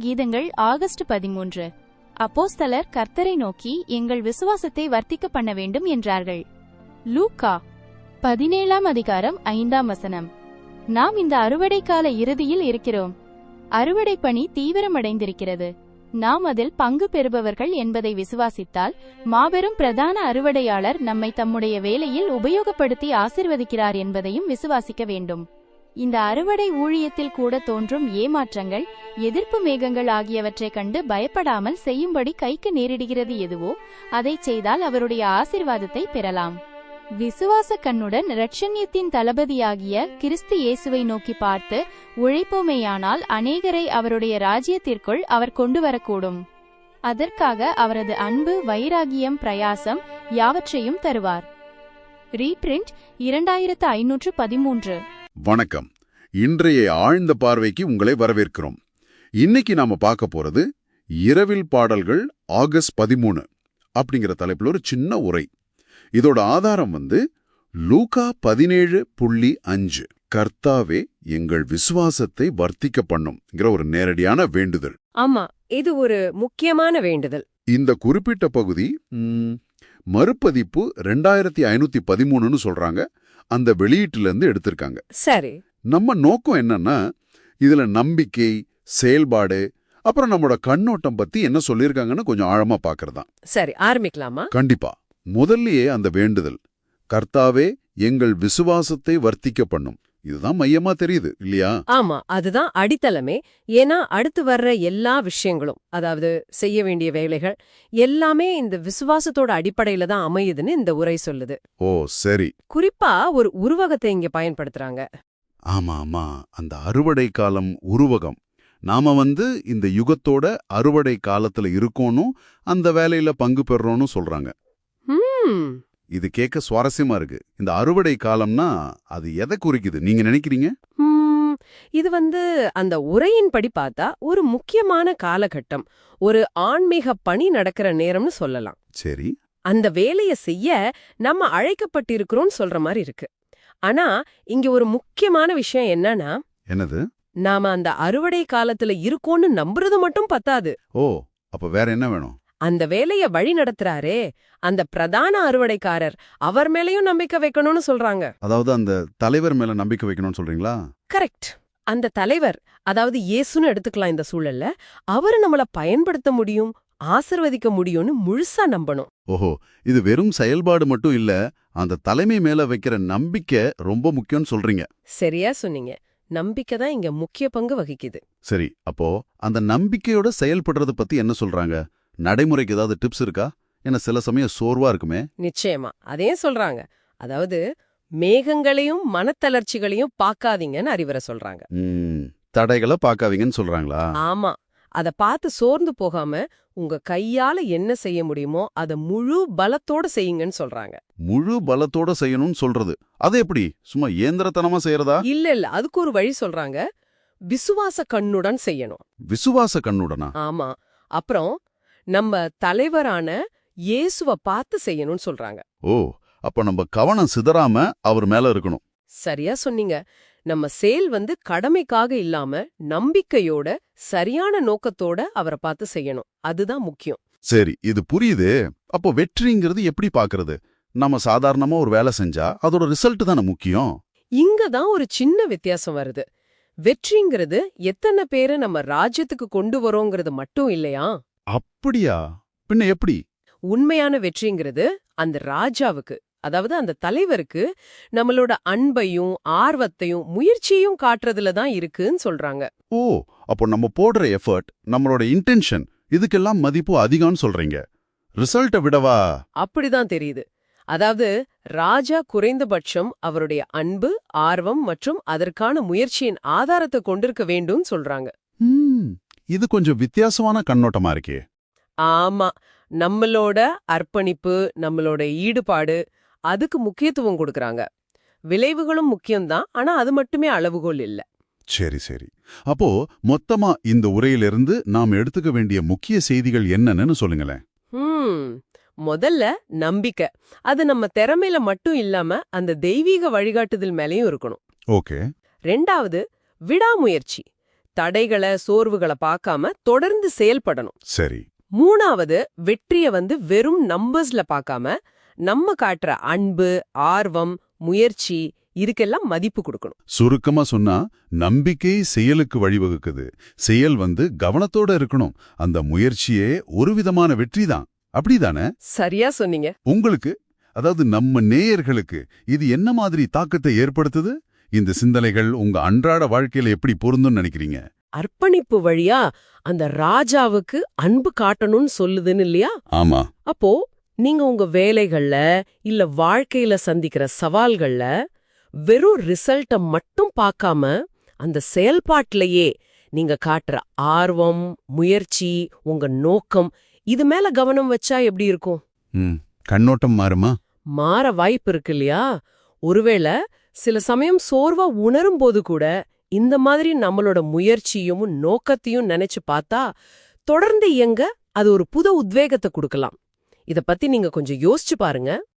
கீதங்கள் ஆகஸ்ட் 13. அப்போஸ்தலர் கர்த்தரை நோக்கி எங்கள் விசுவாசத்தை வர்த்திக்க பண்ண வேண்டும் என்றார்கள். லூக்கா 17:5. நாம் இந்த அறுவடை கால இறுதியில் இருக்கிறோம். அறுவடை பணி தீவிரமடைந்திருக்கிறது. நாம் அதில் பங்கு பெறுபவர்கள் என்பதை விசுவாசித்தால், மாபெரும் பிரதான அறுவடையாளர் நம்மை தம்முடைய வேலையில் உபயோகப்படுத்தி ஆசீர்வதிக்கிறார் என்பதையும் விசுவாசிக்க வேண்டும். இந்த அறுவடை ஊழியத்தில் கூட தோன்றும் ஏமாற்றங்கள், எதிர்ப்பு மேகங்கள் ஆகியவற்றைக் கண்டு பயப்படாமல் செய்யும்படி கைக்கு நேரிடுகிறது எதுவோ அதைச் செய்தால் அவருடைய ஆசீர்வாதத்தை பெறலாம். விசுவாச கண்ணுடன் இரட்சண்யத்தின் தளபதியாகிய கிறிஸ்து இயேசுவை நோக்கி பார்த்து உழைப்போமேயானால் அநேகரை அவருடைய ராஜ்யத்திற்குள் அவர் கொண்டு வரக்கூடும். அதற்காக அவரது அன்பு, வைராகியம், பிரயாசம் யாவற்றையும் தருவார். ரீபிரிண்ட் 2513. வணக்கம். இன்றைய ஆழ்ந்த பார்வைக்கு உங்களை வரவேற்கிறோம். இன்னைக்கு நாம பார்க்க போறது இரவில் பாடல்கள் ஆகஸ்ட் 13 அப்படிங்கிற தலைப்புல ஒரு சின்ன உரை. இதோட ஆதாரம் லூக்கா 17:5. கர்த்தாவே எங்கள் விசுவாசத்தை வர்த்திக்க பண்ணும்ங்கிற ஒரு நேரடியான வேண்டுதல். ஆமா, இது ஒரு முக்கியமான வேண்டுதல். இந்த குறிப்பிட்ட பகுதி மறுபதிப்பு 2513ன்னு சொல்றாங்க. அந்த வெளியீட்டிலிருந்து எடுத்திருக்காங்க. சரி, நம்ம நோக்கம் என்னன்னா, இதுல நம்பிக்கை, செயல்பாடு, அப்புறம் நம்மளோட கண்ணோட்டம் பத்தி என்ன சொல்லியிருக்காங்கன்னு கொஞ்சம் ஆழமா பாக்குறதா. சரி, ஆரம்பிக்கலாமா? கண்டிப்பா. முதல்லயே அந்த வேண்டுதல், கர்த்தாவே எங்கள் விசுவாசத்தை வர்த்திக்க பண்ணும், இதுதான் மையமா தெரியுது இல்லையா? ஆமா, அதுதான் அடித்தளமே. ஏன்னா அடுத்து வர்ற எல்லா விஷயங்களும், அதாவது செய்ய வேண்டிய வேலைகள் எல்லாமே இந்த விசுவாசத்தோட அடிப்படையில தான் அமையுதுன்னு இந்த உரை சொல்லுது. ஓ சரி. குறிப்பா ஒரு உருவகத்தை இங்க பயன்படுத்துறாங்க. ஆமா ஆமா, அந்த அறுவடை காலம் உருவகம். நாம இந்த யுகத்தோட அறுவடை காலத்துல இருக்கோனும் அந்த வேலையில பங்கு பெறறோம்னு சொல்றாங்க. இது கேட்க சுவாரஸ்யமா இருக்கு. இந்த அறுவடை காலம்னா அது எதை குறிக்குது நீங்க நினைக்கிறீங்க? இது அந்த உரையின்படி பார்த்தா ஒரு முக்கியமான காலகட்டம், ஒரு ஆன்மீக பணி நடக்கிற நேரம்னு சொல்லலாம். சரி, அந்த வேலைய செய்ய நம்ம அழைக்கப்பட்டிருக்கிறோம் சொல்ற மாதிரி இருக்கு. ஆனா இங்க ஒரு முக்கியமான விஷயம் என்னன்னா, என்னது? நாம அந்த அறுவடை காலத்துல இருக்கோம்னு நம்புறது மட்டும் பத்தாது. ஓ, அப்ப வேற என்ன வேணும்? அந்த வேலைய வழி நடத்துறாரே அந்த பிரதான அறுவடைக்காரர், அவர் மேலயும் நம்பிக்கை வைக்கணும்னு சொல்றாங்க. அதாவது அந்த தலைவர் மேல நம்பிக்கை வைக்கணும்னு சொல்றீங்களா? கரெக்ட். அந்த தலைவர், அதாவது இயேசுன்னு எடுத்துக்கலாம் இந்த சூழல்ல, அவரு நம்மள பயன்படுத்த முடியும், ஆசீர்வதிக்க முடியும்னு முழுசா நம்பணும். ஓஹோ, இது வெறும் செயல்பாடு மட்டும் இல்ல, அந்த தலைமை மேல வைக்கிற நம்பிக்கை ரொம்ப முக்கியம்னு சொல்றீங்க. சரியா சொன்னீங்க. நம்பிக்கை தான் இங்க முக்கிய பங்கு வகிக்குது. சரி, அப்போ அந்த நம்பிக்கையோட செயல்படுறத பத்தி என்ன சொல்றாங்க? நடைமுறைக்கு ஏதாவது டிப்ஸ் இருக்கா? ஏன்னா சில சமயம் சோர்வா இருக்குமே. நிச்சயமா, அதே சொல்றாங்க. அதாவது மேகங்களையும் மனத்தளர்ச்சிகளையும் பார்க்காதீங்கன்னு அறிவுரை சொல்றாங்க. தடைகளை பார்க்காதீங்கன்னு சொல்றாங்களா? ஆமா, அத பார்த்து சோர்ந்து போகாம உங்க கையால என்ன செய்ய முடியுமோ அத முழு பலத்தோட செய்யுங்கன்னு சொல்றாங்க. முழு பலத்தோட செய்யணும்னு சொல்றது அது எப்படி? சும்மா இயந்திரத்தனமா செய்யறதா? இல்ல, அதுக்கு ஒரு வழி சொல்றாங்க. விசுவாச கண்ணுடன் செய்யணும். விசுவாச கண்ணுடனா? ஆமா. அப்புறம் நம்ம தலைவரான இயேசுவ பார்த்து செய்யணும்னு சொல்றாங்க. ஓ, அப்ப நம்ம கவனம் சிதறாம அவர் மேல இருக்கணும். சரியா சொன்னீங்க. நம்ம செயல் கடமைக்காக இல்லாம நம்பிக்கையோட, சரியான நோக்கத்தோட அவரை பார்த்து செய்யணும். அதுதான் முக்கியம். சரி, இது புரியுது. அப்போ வெற்றிங்கிறது எப்படி பாக்குறது? நம்ம சாதாரணமா ஒரு வேலை செஞ்சா அதோட ரிசல்ட் தானே முக்கியம். இங்கதான் ஒரு சின்ன வித்தியாசம் வருது. வெற்றிங்கிறது எத்தனை பேரை நம்ம ராஜ்யத்துக்கு கொண்டு வரோங்கிறது மட்டும் இல்லையா? அப்படியா? பின்ன எப்படி? உண்மையான வெற்றிங்கிறது அந்த ராஜாவுக்கு, அதாவது அந்த தலைவருக்கு நம்மளோட அன்பையும் ஆர்வத்தையும் முயற்சியையும் காட்டுறதுல தான் இருக்குன்னு சொல்றாங்க. ஓ, அப்போ நம்ம போடுற எஃபர்ட், நம்மளோட இன்டென்ஷன், இதுக்கெல்லாம் மதிப்பு அதிகம்னு சொல்றீங்க. ரிசல்ட்டை விடவா? அப்படிதான் தெரியுது. அதாவது ராஜா குறைந்தபட்சம் அவருடைய அன்பு, ஆர்வம் மற்றும் அதற்கான முயற்சியின் ஆதாரத்தை கொண்டிருக்க வேண்டும் சொல்றாங்க. இது கொஞ்சம் வித்தியாசமான கண்ணோட்டமா இருக்கே. ஆமா, நம்மளோட அர்ப்பணிப்பு, நம்மளோட ஈடுபாடு, அதுக்கு முக்கியத்துவம் கொடுக்கறாங்க. விளைவுகளும் முக்கியம்தான், ஆனா அது மட்டுமே அளவுகோல் இல்ல. சரி சரி. அப்போ மொத்தமா இந்த உரையிலிருந்து நாம் எடுத்துக்க வேண்டிய முக்கிய செய்திகள் என்னன்னு சொல்லுங்களேன். முதல்ல நம்பிக்கை. அது நம்ம திறமையில மட்டும் இல்லாம அந்த தெய்வீக வழிகாட்டுதல் மேலயும் இருக்கணும். ஓகே. ரெண்டாவது விடாமுயற்சி. தடைகளை சோர்வுகளை பார்க்காம தொடர்ந்து செயல்படணும். சரி. 3வது வெற்றிய வெறும் நம்பர்ஸ்ல பார்க்காம நம்ம காட்டுற அன்பு, ஆர்வம், முயற்சி இதுக்கெல்லாம் மதிப்பு கொடுக்கணும். சுருக்கமா சொன்னா நம்பிக்கை செயலுக்கு வழிவகுக்குது. செயல் கவனத்தோட இருக்கணும். அந்த முயற்சியே ஒரு விதமான வெற்றி தான். அப்படிதானே? சரியா சொன்னீங்க. உங்களுக்கு, அதாவது நம்ம நேயர்களுக்கு இது என்ன மாதிரி தாக்கத்தை ஏற்படுத்துது? இந்த சிந்தனைகள் உங்க அன்றாட வாழ்க்கையில எப்படி பொருந்தும்னு நினைக்கிறீங்க? அர்ப்பணிப்பு வழியா அந்த ராஜாவுக்கு அன்பு காட்டணும்னு சொல்லுதுன்னு இல்லையா? ஆமா. அப்போ நீங்க உங்க வேலைகள்ல இல்ல வாழ்க்கையில சந்திக்கிற சவால்கள்ல வெறும் ரிசல்ட்ட மட்டும் பார்க்காம அந்த செயல்பாட்டிலேயே நீங்க காட்டுற ஆர்வம், முயற்சி, உங்க நோக்கம் இது மேல கவனம் வச்சா எப்படி இருக்கும்? கண்ணோட்டம் மாறுமா? மாற வாய்ப்பு இருக்கு இல்லையா? ஒருவேளை சில சமயம் சோர்வா உணரும் போது கூட இந்த மாதிரி நம்மளோட முயற்சியும் நோக்கத்தையும் நினைச்சு பார்த்தா தொடர்ந்து இயங்க அது ஒரு புது உத்வேகத்தை கொடுக்கலாம். இத பத்தி நீங்க கொஞ்சம் யோசிச்சு பாருங்க.